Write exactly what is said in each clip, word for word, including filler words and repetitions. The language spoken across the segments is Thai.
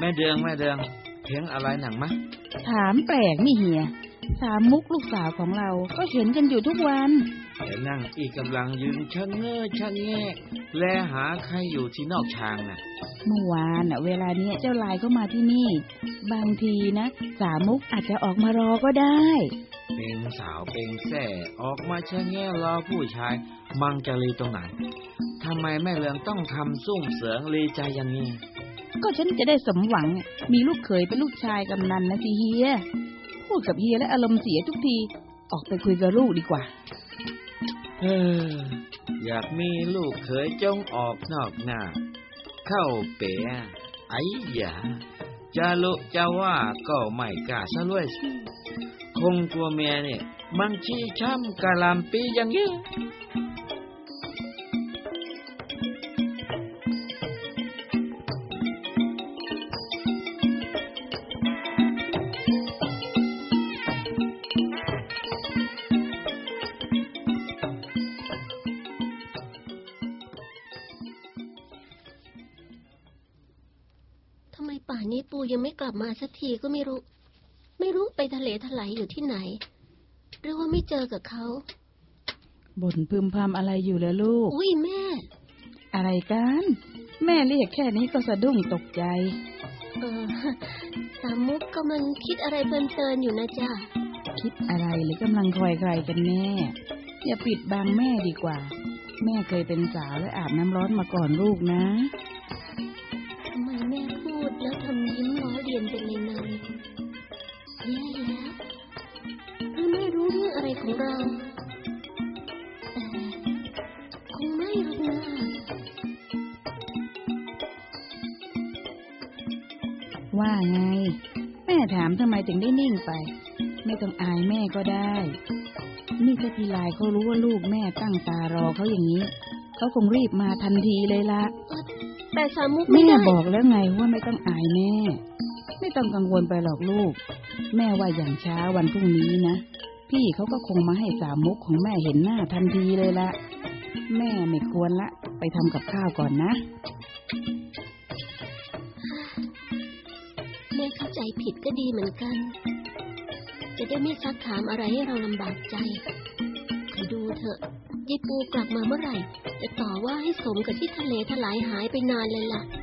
แม่เดืองแม่เดืองเห็นอะไรหนังมะถามแปลกนี่เฮียสามมุกลูกสาวของเราก็เห็นกันอยู่ทุกวันแต่นั่งอีกกำลังยืนชะเง้อชะแงะแลหาใครอยู่ที่นอกชางน่ะเมื่อวานน่ะเวลาเนี้ยเจ้าลายเข้ามาที่นี่บางทีนะสามมุกอาจจะออกมารอก็ได้เป็นสาวเป็นแส่ออกมาชะแงะรอผู้ชายมังจะลีตรงไหนทำไมแม่เลืองต้องทำซุ่มเสืองลีใจอย่างนี้ก็ฉันจะได้สมหวังมีลูกเขยเป็นลูกชายกำนันนะสิเฮียพูดกับเฮียและอารมณ์เสียทุกทีออกไปคุยกับลูกดีกว่าเอออยากมีลูกเขยจงออกนอกหน้าเข้าเป๋อไอ้หยาจะลุจะว่าก็ไม่กล้าซะด้วยคงกลัวเมียเนี่ยมันชี้ช้ำกะลำปีอย่างนี้ป่านนี้ปูยังไม่กลับมาสักทีก็ไม่รู้ไม่รู้ไปทะเลทลายอยู่ที่ไหนหรือว่าไม่เจอกับเขาบ่นพึมพำอะไรอยู่แล้วลูกอุ้ยแม่อะไรกันแม่เรียกแค่นี้ก็สะดุ้งตกใจเออสามมุกกำลังคิดอะไรเพลินๆอยู่นะจ๊ะคิดอะไรหรือกำลังคอยใครกันแน่อย่าปิดบังแม่ดีกว่าแม่เคยเป็นสาวและอาบน้ำร้อนมาก่อนลูกนะทำไมแม่พูดแล้วทำยิ้มล้อเลียนเป็นในในแย่แล้วหรือไม่รู้เรื่องอะไรของเราแต่คงไม่หรอกนะว่าไงแม่ถามทำไมถึงได้นิ่งไปไม่ต้องอายแม่ก็ได้นี่ถ้าพี่ลายเขารู้ว่าลูกแม่ตั้งตารอเขาอย่างนี้เขาคงรีบมาทันทีเลยละแต่สามุกไม่ได้แม่บอกแล้วไงว่าไม่ต้องอายแม่ไม่ต้องกังวลไปหรอกลูกแม่ว่าอย่างช้าวันพรุ่งนี้นะพี่เขาก็คงมาให้สามุกของแม่เห็นหน้าทันทีเลยละแม่ไม่ควรละไปทำกับข้าวก่อนนะแม่เข้าใจผิดก็ดีเหมือนกันจะได้ไม่ซักถามอะไรให้เราลำบากใจคอยดูเถอะยายปูกลับมาเมื่อไหร่จะต่อว่าให้สมกับที่ทะเลทลายหายไปนานเลยล่ะ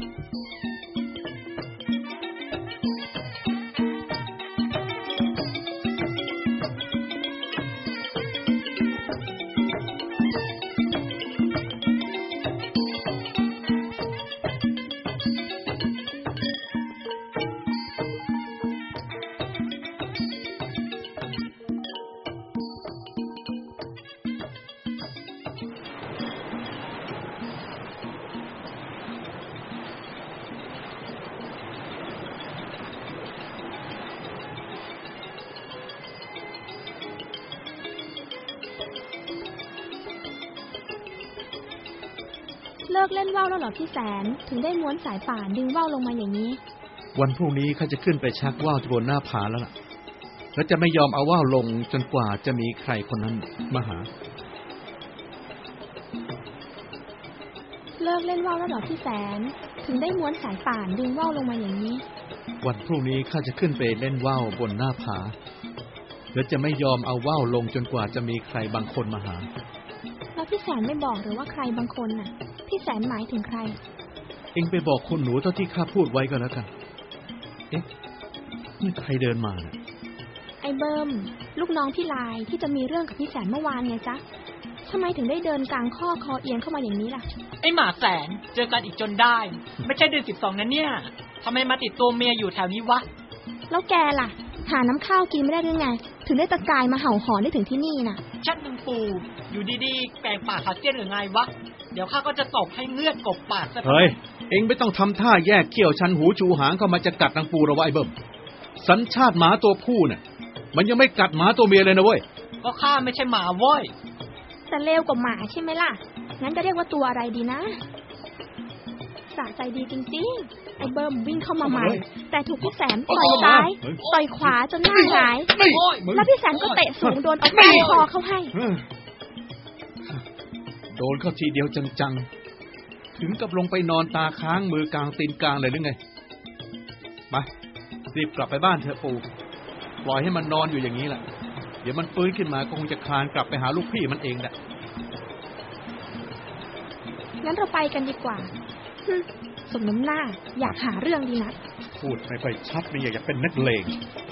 เลิกเล่นว่าวแล้วเหรอพี่แสนถึงได้ม้วนสายป่านดึงว่าวลงมาอย่างนี้วันพรุ่งนี้ข้าจะขึ้นไปชักว่าวที่บนหน้าผาแล้วล่ะแล้วจะไม่ยอมเอาว่าวลงจนกว่าจะมีใครคนนั้นมาหาเลิกเล่นว่าวแล้วเหรอพี่แสนถึงได้ม้วนสายป่านดึงว่าวลงมาอย่างนี้วันพรุ่งนี้ข้าจะขึ้นไปเล่นว่าวบนหน้าผาแล้วจะไม่ยอมเอาว่าวลงจนกว่าจะมีใครบางคนมาหาแล้วพี่แสนไม่บอกหรือว่าใครบางคนน่ะพี่แสนหมายถึงใครเอ็งไปบอกคุณหนูเท่าที่ข้าพูดไว้ก็แล้วกันเอ๊ะนี่ใครเดินมาน่ะไอ้เบิ้มลูกน้องพี่ลายที่จะมีเรื่องกับพี่แสนเมื่อวานไงจ๊ะทำไมถึงได้เดินกลางข้อคอเอียงเข้ามาอย่างนี้ล่ะไอ้หมาแสนเจอกันอีกจนได้ไม่ใช่เดือนสิบสองนะเนี่ยทำไมมาติดตัวเมียอยู่แถวนี้วะแล้วแกล่ะหาน้ำข้าวกินไม่ได้หรือไงถึงได้ตะกายมาเห่าหอนได้ถึงที่นี่น่ะชัดนึงปูอยู่ดีๆแปลงปากขาเจี้ยนหรือไงวะเดี๋ยวข้าก็จะตบให้เงือดกบปากซะเฮ้ยเอ็งไม่ต้องทำท่าแยกเขี้ยวชันหูชูหางเข้ามาจะกัดนางปูเราไว้เบิ่มสัญชาติหมาตัวผู้เนี่ยมันยังไม่กัดหมาตัวเมียเลยนะเว้ยก็ข้าไม่ใช่หมาเว้ยแต่เลวกว่าหมาใช่ไหมล่ะงั้นจะเรียกว่าตัวอะไรดีนะสะใจดีจริงๆไอ้เบิ้มวิ่งเข้ามาใหม่แต่ถูกพี่แสนต่อยซ้ายต่อยขวาจนหน้าหงายแล้วพี่แสนก็เตะสูงโดนเอาคอเข้าให้โดนเข้าทีเดียวจังๆถึงกับลงไปนอนตาค้างมือกลางตีนกลางเลยหรือไงไปรีบกลับไปบ้านเถอะปู่ปล่อยให้มันนอนอยู่อย่างนี้แหละเดี๋ยวมันฟื้นขึ้นมาก็คงจะคลานกลับไปหาลูกพี่มันเองแหละงั้นเราไปกันดีกว่าสมน้ำหน้าอยากหาเรื่องดีนักพูดไม่ค่อยชัดไม่อยากจะเป็นนักเลง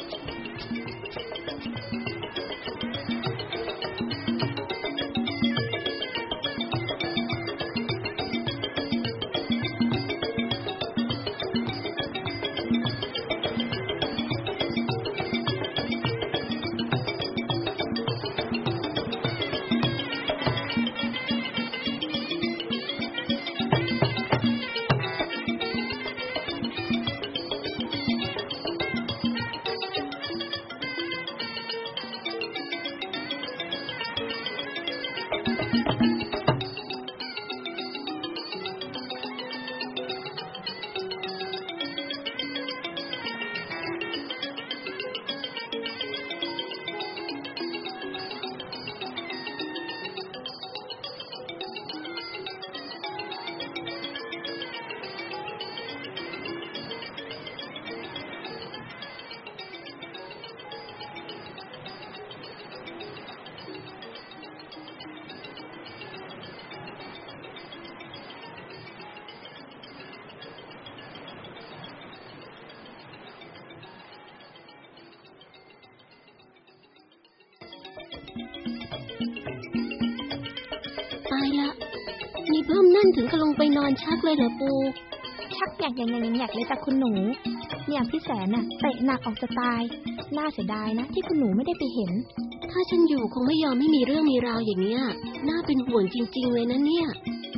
ตายละนี่เพิ่มนั่นถึงกับลงไปนอนชักเลยเหรอปูชักแยกอย่างอย่างอย่างเลยจากคุณหนูเนี่ยพี่แสนน่ะเตะหนักออกจะตายน่าเสียดายนะที่คุณหนูไม่ได้ไปเห็นถ้าฉันอยู่คงไม่ยอมไม่มีเรื่องมีราวอย่างเนี้ยน่าเป็นห่วงจริงๆเลยนะเนี่ย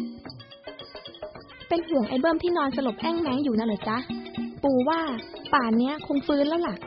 เป็นห่วงไอ้เบิ้มที่นอนสลบแอ้งแม้งอยู่น่ะเหรอจ๊ะปูว่าป่านเนี้ยคงฟื้นแล้วล่ะ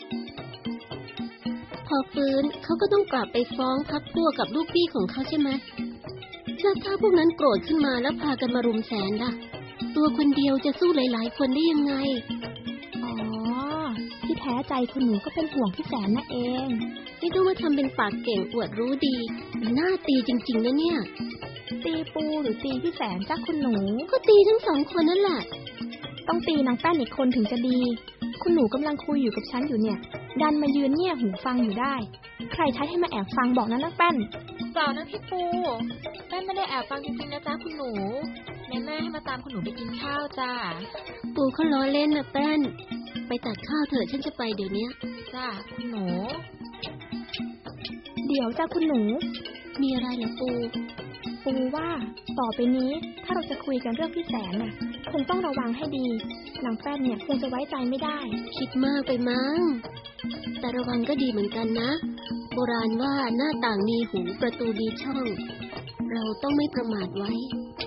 พอฟื้นเขาก็ต้องกลับไปฟ้องพักพวกกับลูกพี่ของเขาใช่ไหมแล้วถ้าพวกนั้นโกรธขึ้นมาแล้วพากันมารุมแสนล่ะตัวคนเดียวจะสู้หลายๆคนได้ยังไงอ๋อที่แท้ใจคุณหนูก็เป็นห่วงพี่แสนนั่นเองไม่ต้องมาทำเป็นปากเก่งอวดรู้ดีน่าตีจริงๆนะเนี่ยตีปูหรือตีพี่แสนจ้าคุณหนูก็ตีทั้งสองคนนั่นแหละต้องตีนางแป้นอีกคนถึงจะดีคุณหนูกำลังคุยอยู่กับฉันอยู่เนี่ยดันมายืนเงี่ยหูฟังอยู่ได้ใครใช้ให้มาแอบฟังบอกนะนางแป้นเปล่านะพี่ปูแป้นไม่ได้แอบฟังจริงๆนะจ๊ะคุณหนูแม่แม่ให้มาตามคุณหนูไปกินข้าวจ้าปูเขาล้อเล่นนะแป้นไปตักข้าวเถอะฉันจะไปเดี๋ยวนี้จ้าคุณหนูเดี๋ยวจ้าคุณหนูมีอะไรเหรอปูปูว่าต่อไปนี้ถ้าเราจะคุยกันเรื่องพี่แสนน่ะคงต้องระวังให้ดีนางแป้นเนี่ยคงจะไว้ใจไม่ได้คิดมากไปมั้งแต่ระวังก็ดีเหมือนกันนะโบราณว่าหน้าต่างมีหูประตูมีช่องเราต้องไม่ประมาทไว้